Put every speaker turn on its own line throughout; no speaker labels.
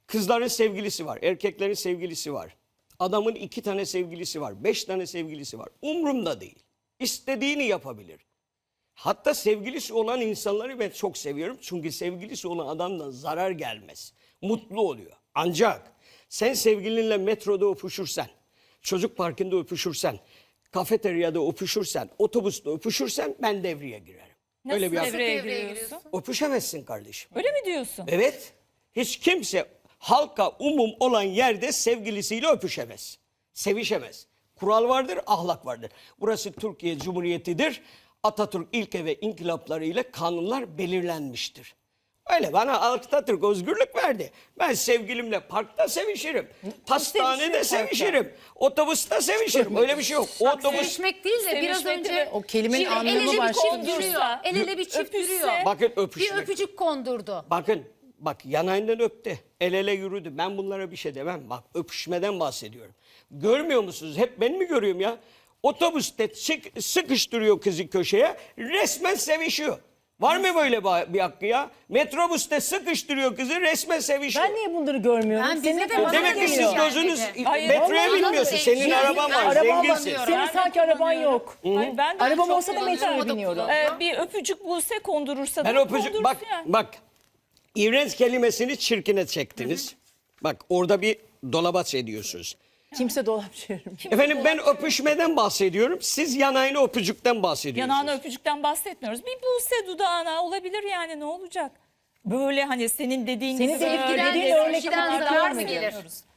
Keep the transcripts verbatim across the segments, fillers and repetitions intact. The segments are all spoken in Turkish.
Kızların sevgilisi var, erkeklerin sevgilisi var. Adamın iki tane sevgilisi var, beş tane sevgilisi var. Umrumda değil. İstediğini yapabilir. Hatta sevgilisi olan insanları ben çok seviyorum. Çünkü sevgilisi olan adamdan zarar gelmez. Mutlu oluyor. Ancak sen sevgilinle metroda öpüşürsen, çocuk parkında öpüşürsen, kafeteryada öpüşürsen, otobüste öpüşürsen ben devreye girerim.
Nasıl
Öyle bir
devreye
devreye
giriyorsun?
öpüşemezsin kardeşim.
Öyle mi diyorsun?
Evet. Hiç kimse halka umum olan yerde sevgilisiyle öpüşemez. Sevişemez. Kural vardır, ahlak vardır. Burası Türkiye Cumhuriyeti'dir. Atatürk ilke ve inkılaplarıyla kanunlar belirlenmiştir. Öyle bana Atatürk özgürlük verdi. Ben sevgilimle parkta sevişirim. Pastanede sevişirim. Otobüste sevişirim. Öyle bir şey yok. O otobüs...
Sevişmek değil de biraz
Sevişmek
önce
de-
O kelimenin
Şimdi el
anlamı
ele bir
başka.
çift
Kondursa,
duruyor. El ele bir çift
öpüşse-
duruyor.
Bakın
Bir
öpüşmek.
öpücük kondurdu.
Bakın bak yanağından öptü. El ele yürüdü. Ben bunlara bir şey demem. Bak öpüşmeden bahsediyorum. Görmüyor musunuz? Hep ben mi görüyorum ya? Otobüste sık, sıkıştırıyor kızı köşeye. Resmen sevişiyor. Var mı böyle bir bir hakkı ya? Metrobüste sıkıştırıyor kızı resmen sevişiyor.
Ben niye bunları görmüyorum?
Ben bize
Senin
de bana
Demek ki
geliyor.
siz
Yani
gözünüz
de.
Hayır,
metroya
vallahi
bilmiyorsun.
şey-
Senin
şey-
araban var.
Araba
Zenginsin.
kullanıyorum.
Senin
Ben de
sanki araban
kullanıyorum.
yok.
Hayır, ben de
Arabam
çok
olsa da
kullanıyorum.
metroya
Arabada
biniyorum.
kullanıyorum.
Ee, bir öpücük Buse kondurursa
Ben
da
öpücük
kondursun
bak
yani.
bak iğrenç kelimesini çirkine çektiniz. Bak orada bir dolabaç ediyorsunuz.
Kimse dolap çevirmiyor.
Efendim ben öpüşmeden bahsediyorum. Siz yanağını öpücükten bahsediyorsunuz.
Yanağına öpücükten bahsetmiyoruz. Bir Buse dudağına olabilir yani ne olacak? Böyle hani senin dediğin
Senin
gibi
dediğin
böyle
dediğin
böyle
örnek
sevgiden
olarak
zarar mı
görmedim.
gelir?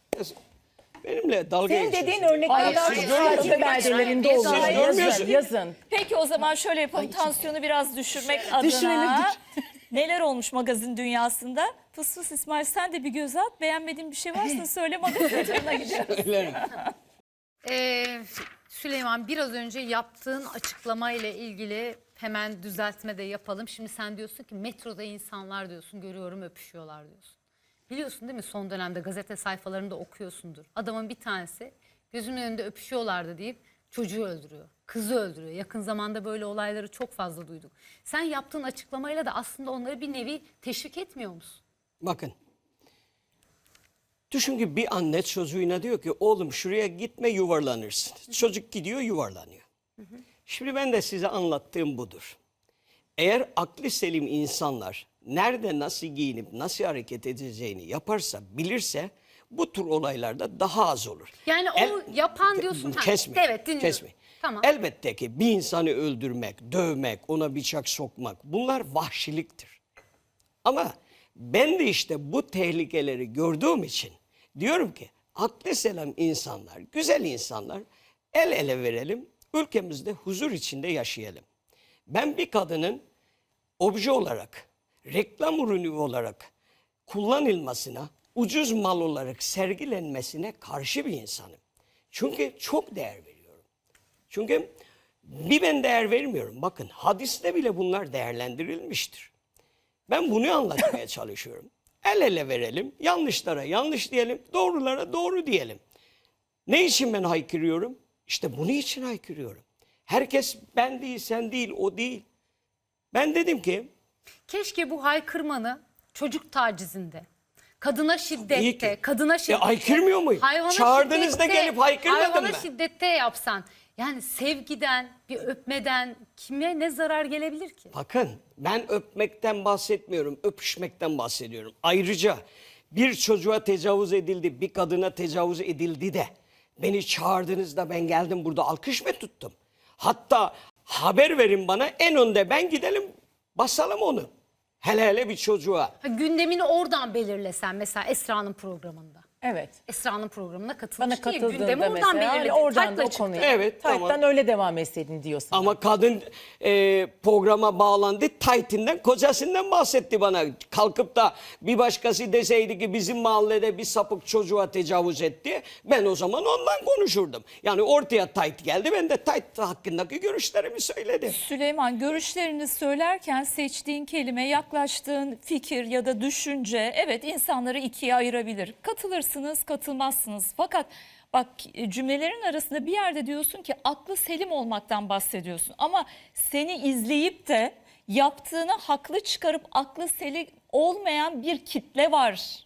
Benimle dalga
Senin
geçiyorsunuz.
dediğin örnekler
Hayır,
sadece
hayır.
beldelerinde
Siz
oluyor.
görmüyorsunuz.
Yazın, yazın.
Peki o zaman şöyle yapalım. Tansiyonu biraz düşürmek adına.
Düşürelim,
Neler olmuş magazin dünyasında? Fıs fıs İsmail sen de bir göz at. Beğenmediğin bir şey varsa söyle magazinlerine gidiyoruz.
Söylerim.
Ee, Süleyman biraz önce yaptığın açıklama ile ilgili hemen düzeltme de yapalım. Şimdi sen diyorsun ki metroda insanlar diyorsun görüyorum öpüşüyorlar diyorsun. Biliyorsun değil mi son dönemde gazete sayfalarında okuyorsundur. Adamın bir tanesi gözümün önünde öpüşüyorlardı deyip çocuğu öldürüyor. Kızı öldürüyor. Yakın zamanda böyle olayları çok fazla duyduk. Sen yaptığın açıklamayla da aslında onları bir nevi teşvik etmiyor musun?
Bakın. Düşün ki bir anne çocuğuna diyor ki oğlum şuraya gitme yuvarlanırsın. Çocuk gidiyor yuvarlanıyor. Şimdi ben de size anlattığım budur. Eğer aklı selim insanlar nerede nasıl giyinip nasıl hareket edeceğini yaparsa bilirse bu tür olaylarda daha az olur.
Yani o yapan diyorsun. Ha,
Kesme.
evet, dinliyorum.
Kesme.
Tamam.
Elbette ki bir insanı öldürmek, dövmek, ona bıçak sokmak bunlar vahşiliktir. Ama ben de işte bu tehlikeleri gördüğüm için diyorum ki aklı selam insanlar, güzel insanlar el ele verelim, ülkemizde huzur içinde yaşayalım. Ben bir kadının obje olarak, reklam ürünü olarak kullanılmasına, ucuz mal olarak sergilenmesine karşı bir insanım. Çünkü çok değer veriyorum. Çünkü bir ben değer vermiyorum. Bakın hadiste bile bunlar değerlendirilmiştir. Ben bunu anlatmaya çalışıyorum. El ele verelim, yanlışlara yanlış diyelim, doğrulara doğru diyelim. Ne için ben haykırıyorum? İşte bunun için haykırıyorum. Herkes ben değil, sen değil, o değil. Ben dedim ki
Keşke bu haykırmanı çocuk tacizinde, kadına
İyi
şiddette,
ki.
kadına şiddette,
haykırmıyor muyum?
hayvana
Çağırdığınızda
şiddette,
gelip haykırmadım
hayvana
ben.
şiddette yapsan. Yani sevgiden, bir öpmeden kime ne zarar gelebilir ki?
bakın ben öpmekten bahsetmiyorum, öpüşmekten bahsediyorum. Ayrıca bir çocuğa tecavüz edildi, bir kadına tecavüz edildi de beni çağırdığınızda ben geldim burada alkış mı tuttum? Hatta haber verin bana en önde ben gidelim basalım onu. Hele hele bir çocuğa.
Ha, gündemini oradan belirlesen mesela Esra'nın programında.
Evet.
Esra'nın programına katılmış
Bana
değil. Gündemi
katıldığında
oradan
mesela
belirledin.
oradan da
Taytla
o
çıktı.
konuyu.
Evet,
Tayttan
tamam.
öyle devam etseydin diyorsun.
Ama kadın e, programa bağlandı, taytinden, kocasından bahsetti bana. Kalkıp da bir başkası deseydi ki bizim mahallede bir sapık çocuğa tecavüz etti, ben o zaman ondan konuşurdum. Yani ortaya tayt geldi, ben de tayt hakkındaki görüşlerimi söyledim.
Süleyman görüşlerini söylerken seçtiğin kelime, yaklaştığın fikir ya da düşünce evet insanları ikiye ayırabilir. Katılırsınız, katılmazsınız. Fakat bak cümlelerin arasında bir yerde diyorsun ki aklı selim olmaktan bahsediyorsun. Ama seni izleyip de yaptığını haklı çıkarıp aklı selim olmayan bir kitle var.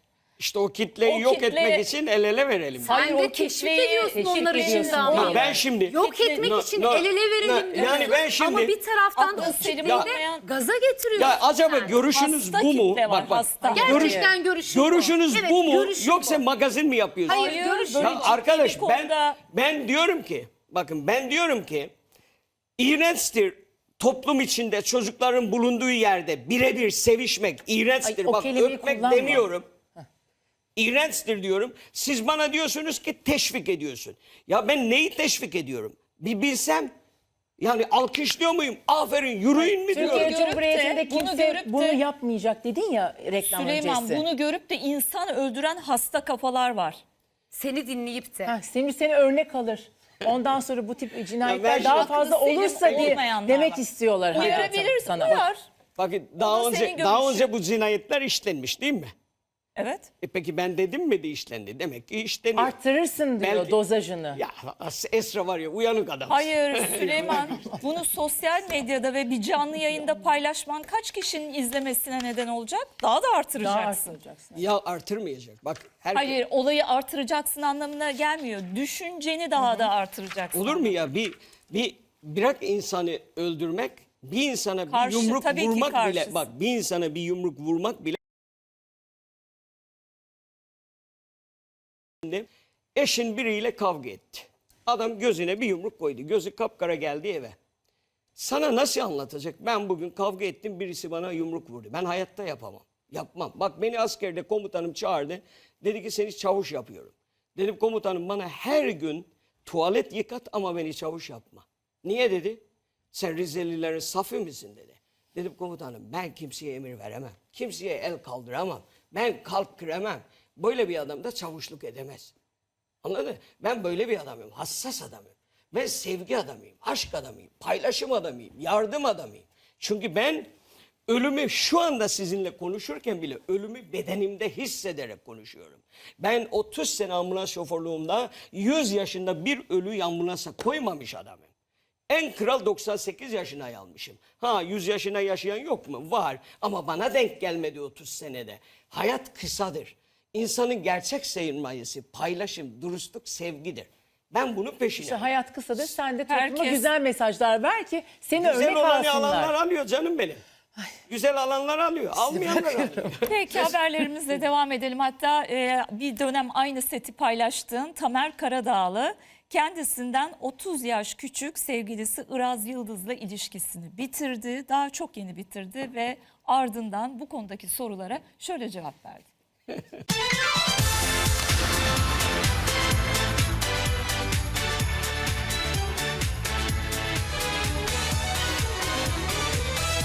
İşte o kitleyi
O
yok
kitle-
etmek için el ele verelim.
Sen
Hayır,
de
o
teşvik
kitleyi
ediyorsun
teşvik
onlar için de
ediyorsun.
ama.
Ya ben şimdi
Yok
Kitle-
etmek
No,
için
no,
el ele verelim
no,
diyorsun.
yani ben şimdi-
Ama bir taraftan da o
Aklı
kitleyi
selim
de
olmayan-
gaza getiriyorsun.
ya acaba
sen.
görüşünüz
Hasta
bu mu?
kitle var, hasta.
Gerçekten görüşün bu.
Görüşünüz
Evet,
bu mu?
görüşün
Yoksa
bu.
magazin mi yapıyorsunuz?
Hayır,
Hayır,
görüşün
böyle
Ya
bu.
ciddi
arkadaş
bir
ben
konuda-
ben diyorum ki bakın ben diyorum ki iğrençtir toplum içinde çocukların bulunduğu yerde birebir sevişmek iğrençtir.
Ay, o
Bak
kelimeyi
öpmek
kullanma.
demiyorum. İğrençtir diyorum. Siz bana diyorsunuz ki teşvik ediyorsun. Ya ben neyi teşvik ediyorum? Bir bilsem yani alkışlıyor muyum? Aferin yürüyün mi diyorum.
Türkiye
görüp de,
Cumhuriyeti'nde
bunu
kimse
görüp
bunu,
de-
yapmayacak dedin ya reklam
Süleyman
öncesi.
bunu görüp de insan öldüren hasta kafalar var.
Seni dinleyip de.
Ha, Semih seni örnek alır. Ondan sonra bu tip cinayetler
ben
daha
şimdi-
fazla
Aklı selim
olursa diye
olmayanlar
demek
var.
istiyorlar hayatım
Uyarabilirsin,
sana.
uyar.
Bakın daha
da
önce
senin
daha
görüşün.
önce bu cinayetler işlenmiş değil mi?
Evet.
E peki ben dedim mi de işlendi? Demek ki işleniyor.
Arttırırsın diyor
Belki-
dozajını.
Ya Esra var ya uyanık adam.
Hayır Süleyman, bunu sosyal medyada ve bir canlı yayında paylaşman kaç kişinin izlemesine neden olacak? Daha da
Daha
artıracaksın.
arttıracaksın.
Ya artırmayacak. Bak herkes...
Hayır, olayı artıracaksın anlamına gelmiyor. Düşünceni daha da artıracaksın.
Olur mu ya bir bir bırak insanı öldürmek, bir insana bir
Karşı,
yumruk
tabii ki
vurmak bile
karşısın.
bak bir insana bir yumruk vurmak bile eşin biriyle kavga etti. Adam gözüne bir yumruk koydu. Gözü kapkara geldi eve. Sana nasıl anlatacak? Ben bugün kavga ettim birisi bana yumruk vurdu. Ben hayatta yapamam. Yapmam. Bak beni askerde komutanım çağırdı. Dedi ki seni çavuş yapıyorum. Dedim komutanım bana her gün tuvalet yıkat ama beni çavuş yapma. Niye dedi? Sen Rizelilerin safı mısın dedi. Dedim komutanım ben kimseye emir veremem. Kimseye el kaldıramam. Ben kalp kıremem. Böyle bir adam da çavuşluk edemez. Anladın mı? Ben böyle bir adamım. Hassas adamım. Ben sevgi adamıyım. Aşk adamıyım. Paylaşım adamıyım. Yardım adamıyım. Çünkü ben ölümü şu anda sizinle konuşurken bile ölümü bedenimde hissederek konuşuyorum. Ben otuz sene ambulans şoförlüğümde yüz yaşında bir ölüyü ambulansa koymamış adamım. En kral doksan sekiz yaşına almışım. Ha yüz yaşına yaşayan yok mu? Var. Ama bana denk gelmedi otuz senede. Hayat kısadır. İnsanın gerçek sermayesi paylaşım, dürüstlük, sevgidir. Ben bunun peşine.
İşte hayat kısadır. Sen de topluma
Herkes-
güzel mesajlar ver ki seni
Güzel
örnek
olanı
alsınlar.
alanlar alıyor canım benim. Güzel alanlar alıyor. Almayanlar alıyor.
Peki haberlerimizle devam edelim. Hatta e, bir dönem aynı seti paylaştığın Tamer Karadağlı kendisinden otuz yaş küçük sevgilisi Iraz Yıldız'la ilişkisini bitirdi. Daha çok yeni bitirdi ve ardından bu konudaki sorulara şöyle cevap verdi.